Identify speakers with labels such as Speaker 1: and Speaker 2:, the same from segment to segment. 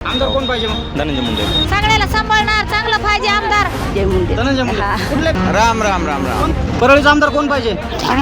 Speaker 1: आमदार कोण पाहिजे मग?
Speaker 2: धनंजय मुंडे.
Speaker 3: सगळ्याला सांभाळणार चांगलं पाहिजे आमदार जय मुंडे.
Speaker 1: धनंजय मुंडे.
Speaker 3: हा.
Speaker 1: कुठले?
Speaker 2: राम राम राम राम.
Speaker 1: परळीचा आमदार कोण पाहिजे?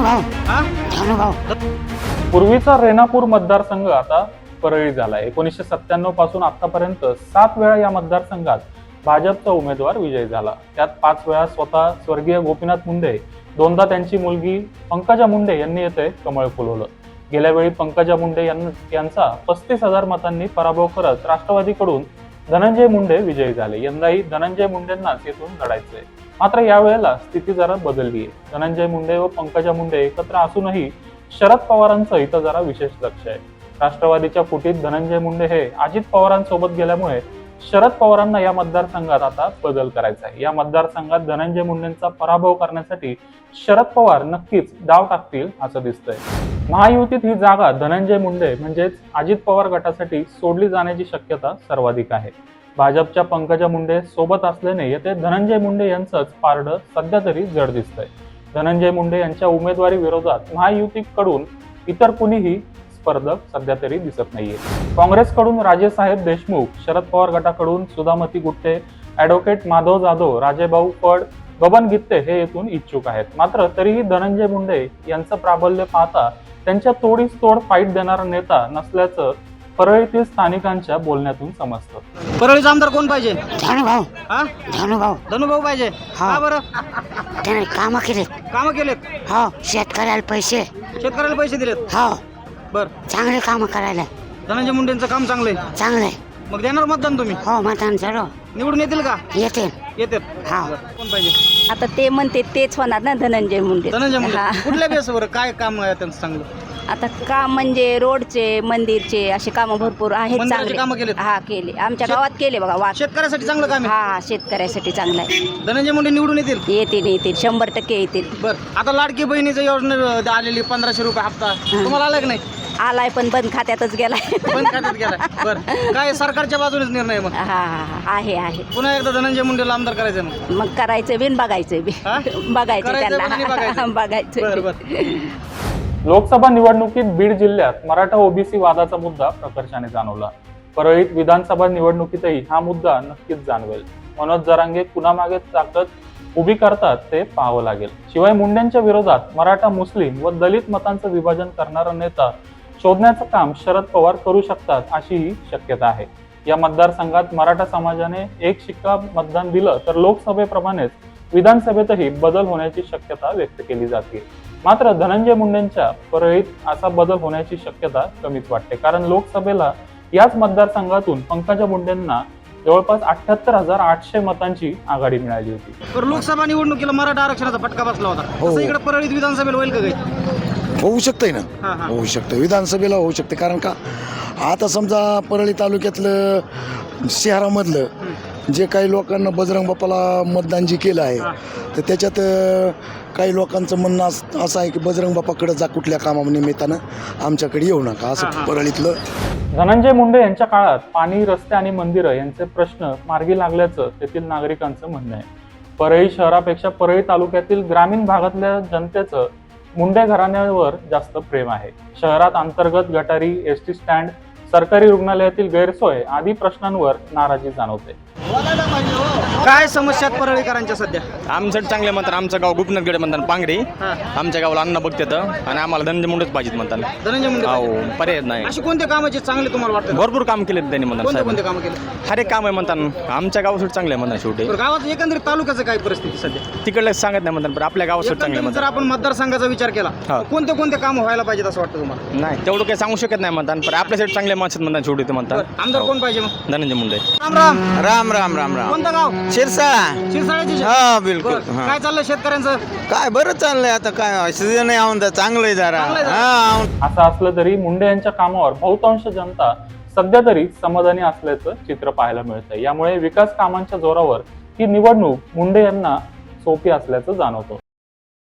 Speaker 3: भाऊ
Speaker 4: पूर्वीचा रेणापूर मतदारसंघ आता परळी झाला. 1997 पासून आतापर्यंत 7 वेळा या मतदारसंघात भाजपचा उमेदवार विजयी झाला. त्यात 5 वेळा स्वतः स्वर्गीय गोपीनाथ मुंडे, 2दा त्यांची मुलगी पंकजा मुंडे यांनी येथे कमळ फुलवलं. गेल्या वेळी पंकजा मुंडे यांचा 35,000 मतांनी पराभव करत राष्ट्रवादीकडून धनंजय मुंडे विजयी झाले. यंदाही धनंजय मुंडेंनाच येथून लढायचंय. मात्र यावेळेला स्थिती जरा बदलली आहे. धनंजय मुंडे व पंकजा मुंडे एकत्र असूनही शरद पवारांचं इथं जरा विशेष लक्ष आहे. राष्ट्रवादीच्या फुटीत धनंजय मुंडे हे अजित पवारांसोबत गेल्यामुळे शरद पवारांना या मतदारसंघात आता बदल करायचा आहे. या मतदारसंघात धनंजय मुंडेंचा पराभव करण्यासाठी शरद पवार नक्कीच डाव टाकतील असं दिसतंय. महायुतीत ही जागा धनंजय मुंडे म्हणजेच अजित पवार गटासाठी सोडली जाण्याची शक्यता सर्वाधिक आहे. भाजपच्या पंकजा मुंडे सोबत असल्याने येथे धनंजय मुंडे यांचंच पारडं सध्या तरी जड दिसतंय. धनंजय मुंडे यांच्या उमेदवारी विरोधात महायुतीकडून इतर कुणीही स्पर्धक सध्या तरी दिसत नाहीये. काँग्रेसकडून राजेसाहेब देशमुख, शरद पवार गटाकडून सुधामती गुट्टे, ॲडव्होकेट माधव जाधव, राजेभाऊ फड, बबन गित्ते हे येथून इच्छुक आहेत. मात्र तरीही धनंजय मुंडे यांचं प्राबल्य पाहता त्यांच्या तोडीस तोड फाईट देणारा नेता नसल्याचं परळीतील स्थानिकांच्या बोलण्यातून समजतं.
Speaker 1: परळीचा आमदार कोण पाहिजे?
Speaker 3: भाऊ
Speaker 1: हा? धनुभाऊ पाहिजे. का बरं?
Speaker 3: त्याने काम केले.
Speaker 1: कामं केलेत?
Speaker 3: हो शेतकऱ्याला पैसे.
Speaker 1: शेतकऱ्याला पैसे दिलेत?
Speaker 3: हो
Speaker 1: बर.
Speaker 3: चांगले काम करायला.
Speaker 1: धनंजय मुंडेंचं काम चांगलंय.
Speaker 3: चांगले.
Speaker 1: मग देणार मतदान तुम्ही?
Speaker 3: हो मतदान सर्व
Speaker 1: निवडून येतील का?
Speaker 3: येते.
Speaker 1: येतात.
Speaker 3: हा.
Speaker 1: कोण पाहिजे?
Speaker 5: आता ते म्हणते तेच होणार ना धनंजय मुंडे.
Speaker 1: धनंजय मुंडे.
Speaker 5: हा.
Speaker 1: कुठल्या बेसवर काय काम आहे त्यांचं चांगलं?
Speaker 5: आता काम म्हणजे रोडचे, मंदिरचे असे काम भरपूर आहेत
Speaker 1: मंदिराचे कामं
Speaker 5: चांगले.
Speaker 1: केलेत?
Speaker 5: हा केले आमच्या गावात केले बघा वाघ.
Speaker 1: शेतकऱ्यासाठी चांगलं काम आहे.
Speaker 5: हा शेतकऱ्यासाठी चांगला आहे.
Speaker 1: धनंजय मुंडे निवडून येतील?
Speaker 5: येतील 100% येतील.
Speaker 1: बर. आता लाडकी बहिणीचं योजना आलेली 1500 रुपये हप्ता तुम्हाला आला की नाही?
Speaker 5: आलाय पण बंद खात्यातच गेलाय.
Speaker 1: बंद खात्यात गेला. बर. काय सरकारच्या बाजूनेच निर्णय मग?
Speaker 5: हा आहे
Speaker 1: पुन्हा एकदा धनंजय मुंडेला आमदार करायचं मग?
Speaker 5: मग करायचं बिन बघायचं बी.
Speaker 1: हा?
Speaker 5: बघायचं
Speaker 1: करायचं पण आणि
Speaker 5: त्यांना
Speaker 1: बघायचं. बर बर.
Speaker 5: बघायचं.
Speaker 4: लोकसभा निवडणुकीत बीड जिल्ह्यात मराठा ओबीसी वादाचा मुद्दा प्रकर्षाने जाणवला. परळीत विधानसभा निवडणुकीतही हा मुद्दा नक्कीच जाणवेल. मनोज जरांगे कुणामागे ताकद उभी करतात ते पाहावं लागेल. शिवाय मुंडेंच्या विरोधात मराठा, मुस्लिम व दलित मतांचं विभाजन करणारा नेता शोधण्याचं काम शरद पवार करू शकतात अशीही शक्यता आहे. या मतदारसंघात मराठा समाजाने एक शिक्का मतदान दिलं तर लोकसभेप्रमाणेच विधानसभेतही बदल होण्याची शक्यता व्यक्त केली जाते. मात्र धनंजय मुंडेंच्या परळीत असा बदल होण्याची शक्यता कमीच वाटते. कारण लोकसभेला याच मतदारसंघातून पंकजा मुंडेंना जवळपास 78,800 मतांची आघाडी मिळाली होती.
Speaker 1: तर लोकसभा निवडणुकीला मराठा आरक्षणाचा फटका बसला होता. तसं इकडे परळीत विधानसभेला होईल का काही?
Speaker 6: होऊ शकतंय ना.
Speaker 1: हा, हा.
Speaker 6: होऊ शकतं विधानसभेला होऊ शकते. कारण का आता समजा परळी तालुक्यातलं शहरामधलं जे काही लोकांना बजरंग बाप्पाला मतदान जे केलं आहे तर त्याच्यात काही लोकांचं म्हणणं असं आहे की बजरंग बाप्पाकडे जा कुठल्या कामानिमित्तानं आमच्याकडे येऊ नका असं परळीतलं.
Speaker 4: धनंजय मुंडे यांच्या काळात पाणी, रस्ते आणि मंदिरं यांचे प्रश्न मार्गी लागल्याचं तेथील नागरिकांचं म्हणणं आहे. परळी शहरापेक्षा परळी तालुक्यातील ग्रामीण भागातल्या जनतेचं मुंडे घराण्यावर जास्त प्रेम आहे. शहरात अंतर्गत गटारी, एसटी स्टँड, सरकारी रुग्णालयातील गैरसोय आदी प्रश्नांवर नाराजी जाणवते.
Speaker 1: काय समस्या आहेत परळीकरांच्या सध्या?
Speaker 2: आमचं चांगले म्हणतात. आमचं गाव गोपीनाथगड म्हणतात पांगरी.
Speaker 1: हा.
Speaker 2: आमच्या गावाला अन्न बघतात आणि आम्हाला धनंजय मुंडेच पाहिजेत म्हणतात.
Speaker 1: धनंजय मुंडे
Speaker 2: हो
Speaker 1: पाहिजे.
Speaker 2: पर्याय नाही.
Speaker 1: अशी कोणते कामाचे चांगले तुम्हाला वाटतं?
Speaker 2: भरपूर काम केले त्यांनी म्हणतात
Speaker 1: कोणते
Speaker 2: साहेब.
Speaker 1: कोणते कामं केले?
Speaker 2: हर एक काम आहे म्हणतात. आमच्या गावासाठी चांगले म्हणतात शेवटी.
Speaker 1: बरं, गावात एकंदरीत तालुक्याचं काय परिस्थिती सध्या?
Speaker 2: तिकडले सांगत नाही म्हणतात पण आपल्या गावासाठी चांगले
Speaker 1: एकंदरीत जर
Speaker 2: म्हणतात.
Speaker 1: आपण मतदारसंघाचा विचार केला
Speaker 2: हा.
Speaker 1: तर कोणते कोणते काम व्हायला पाहिजेत असं वाटतं तुम्हाला?
Speaker 2: नाही तेवढं काही सांगू शकत नाही म्हणतात पण आपल्यासाठी चांगले माणसं म्हणतात शेवटी ते म्हणतात.
Speaker 1: बरं, आमदार कोण पाहिजे मग?
Speaker 2: धनंजय मुंडे.
Speaker 1: राम राम.
Speaker 2: राम राम राम राम.
Speaker 1: कोणतं गाव?
Speaker 2: शिरसाळा.
Speaker 1: शिरसाळ्याचे.
Speaker 2: हा बिलकुल.
Speaker 1: बरं, काय चाललंय शेतकऱ्यांचं?
Speaker 2: काय बरं चाललंय आता काय सीजन आहे चांगलं आहे जरा.
Speaker 1: चांगलं आहे जरा.
Speaker 2: हा.
Speaker 4: असं असलं तरी मुंडे यांच्या कामावर बहुतांश जनता सध्या तरी समाधानी असल्याचं चित्र पाहायला मिळतंय. यामुळे विकास कामांच्या जोरावर ही निवडणूक मुंडे यांना सोपी असल्याचं जाणवतं.